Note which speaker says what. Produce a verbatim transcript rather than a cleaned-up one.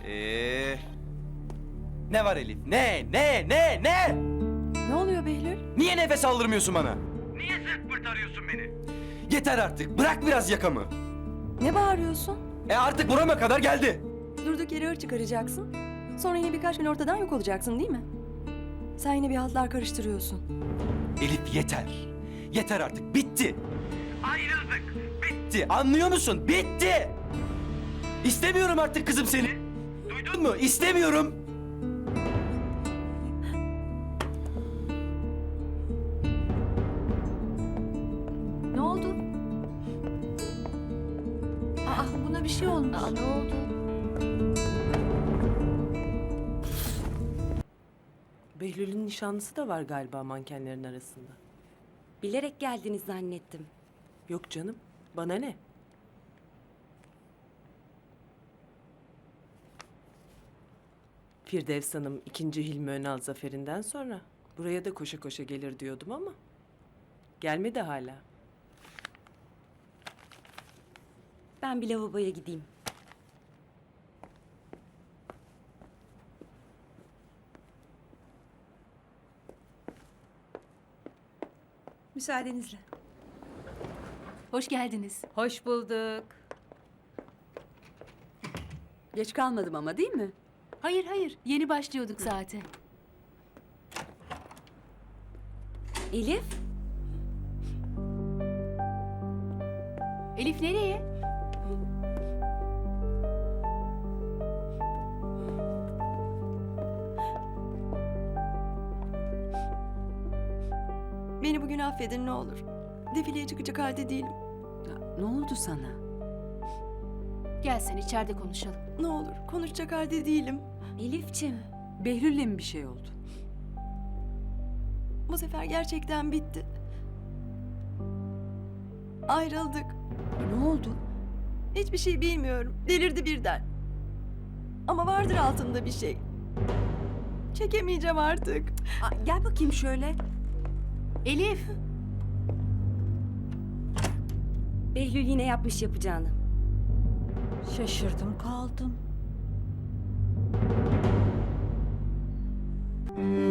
Speaker 1: Ee, ne var Elif? Ne? Ne? Ne? Ne?
Speaker 2: Ne oluyor Behlül?
Speaker 1: Niye nefes aldırmıyorsun bana? Niye sırt pırt arıyorsun beni? Yeter artık. Bırak biraz yakamı.
Speaker 2: Ne bağırıyorsun?
Speaker 1: E artık burama kadar geldi.
Speaker 2: Durduk yere hır çıkaracaksın. Sonra yine birkaç gün ortadan yok olacaksın değil mi? Sen yine bir haltlar karıştırıyorsun.
Speaker 1: Elif yeter. Yeter artık. Bitti. Ayrıldık. Bitti. Anlıyor musun? Bitti. İstemiyorum artık kızım seni. Duydun mu? İstemiyorum.
Speaker 3: Ne oldu? Aa, buna bir şey olmuş. Aa, ne oldu?
Speaker 4: Behlül'ün nişanlısı da var galiba mankenlerin arasında.
Speaker 5: Bilerek geldiniz zannettim.
Speaker 4: Yok canım, bana ne? Firdevs Hanım ikinci Hilmi Önal zaferinden sonra buraya da koşa koşa gelir diyordum ama gelmedi hala.
Speaker 5: Ben bir lavaboya gideyim.
Speaker 3: Müsaadenizle. Hoş geldiniz.
Speaker 6: Hoş bulduk.
Speaker 3: Geç kalmadım ama değil mi?
Speaker 6: Hayır hayır, yeni başlıyorduk zaten.
Speaker 5: Elif,
Speaker 6: Elif nereye?
Speaker 2: Beni bugün affedin ne olur. Defileye çıkacak halde değilim.
Speaker 3: Ne oldu sana?
Speaker 6: Gel sen içeride konuşalım.
Speaker 2: Ne olur konuşacak halde değilim.
Speaker 5: Elifçim.
Speaker 3: Behlül'le mi bir şey oldu?
Speaker 2: Bu sefer gerçekten bitti. Ayrıldık.
Speaker 3: Ne oldu?
Speaker 2: Hiçbir şey bilmiyorum. Delirdi birden. Ama vardır altında bir şey. Çekemeyeceğim artık.
Speaker 3: Aa, gel bakayım şöyle.
Speaker 6: Elif!
Speaker 5: Behlül yine yapmış yapacağını.
Speaker 3: Şaşırdım kaldım.